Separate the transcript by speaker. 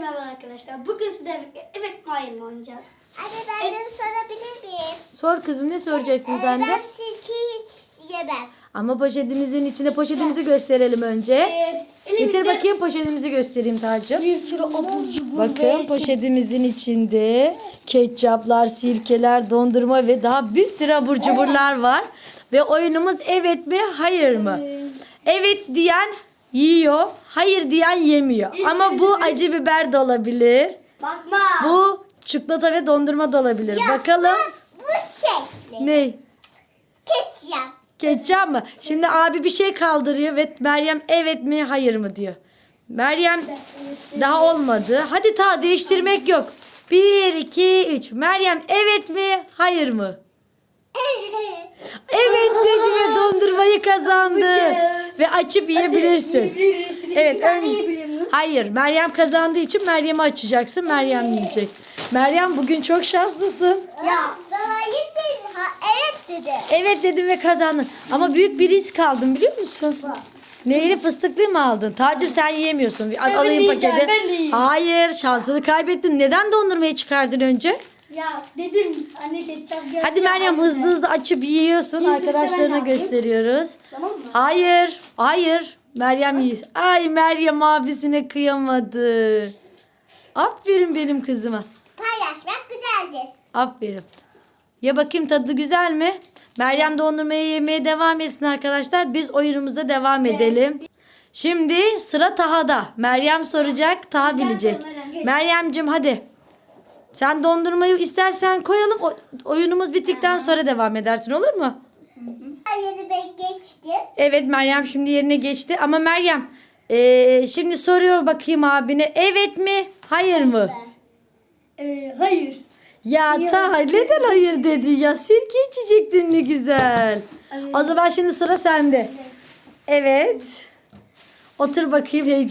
Speaker 1: merhaba arkadaşlar. Bugün sizlerle birlikte evet mi hayır mı oynayacağız?
Speaker 2: Anne ben de sorabilir miyim?
Speaker 3: Sor kızım, ne soracaksın sen de?
Speaker 2: Ben sirkeyi hiç yemem.
Speaker 3: Ama poşetimizin içinde poşetimizi gösterelim önce. Getir bakayım, poşetimizi göstereyim Tacım.
Speaker 1: Bir sürü abur cubur
Speaker 3: Bakın poşetimizin içinde ketçaplar, sirkeler, dondurma ve daha bir sürü abur cuburlar var. Ve oyunumuz evet mi hayır mı? Evet diyen yiyor, hayır diyen yemiyor. Ama bu acı biber de olabilir.
Speaker 1: Bakma.
Speaker 3: Bu çikolata ve dondurma da olabilir. Bakalım
Speaker 2: Bu şekli.
Speaker 3: ne?
Speaker 2: Ketçap.
Speaker 3: Ketçap mı? Şimdi abi bir şey kaldırıyor ve Meryem evet mi hayır mı diyor. Meryem daha olmadı. Hadi ta değiştirmek yok. 1, 2, 3. Meryem evet mi hayır mı? Evet dedi ve dondurmayı kazandı. Ve açıp yiyebilirsin. Evet, hayır, Meryem kazandığı için Meryem'i açacaksın. Meryem yiyecek. Meryem bugün çok şanslısın.
Speaker 2: Ya bana dedi. Evet dedi.
Speaker 3: Evet dedim ve kazandın. Ama büyük bir risk aldın, biliyor musun? Neyini, fıstıklı mı aldın? Tacım sen yiyemiyorsun. Alayım
Speaker 1: yiyeceğim,
Speaker 3: paketi.
Speaker 1: ben de yiyeyim.
Speaker 3: Hayır, şansını kaybettin. Neden dondurmayı çıkardın önce?
Speaker 1: Ya dedim anne ketçap geldi.
Speaker 3: Hadi Meryem hızlı hızlı açıp yiyorsun.
Speaker 1: Yiyecekse ben
Speaker 3: Arkadaşlarına
Speaker 1: de yapayım.
Speaker 3: gösteriyoruz.
Speaker 1: Tamam mı?
Speaker 3: Hayır, hayır. Meryem yiyor. Ay, Meryem abisine kıyamadı. Aferin benim kızıma.
Speaker 2: Paylaşmak güzeldir.
Speaker 3: Aferin. Ya bakayım, tadı güzel mi? Meryem dondurmayı yemeye devam etsin arkadaşlar. Biz oyunumuza devam edelim. Şimdi sıra Taha'da. Meryem soracak, Taha bilecek.
Speaker 1: sor Meryem, geç.
Speaker 3: Meryem'cim hadi. Sen dondurmayı istersen koyalım. Oyunumuz bittikten sonra devam edersin, olur mu?
Speaker 2: Hayır ben geçtim.
Speaker 3: Evet, Meryem şimdi yerine geçti. Ama Meryem şimdi soruyor bakayım abine. Evet mi? Hayır mı?
Speaker 1: Hayır.
Speaker 3: Ya Taha neden hayır dedi ya? Sirke içecektin ne güzel. O zaman şimdi sıra sende. Evet. Otur bakayım, heyecan.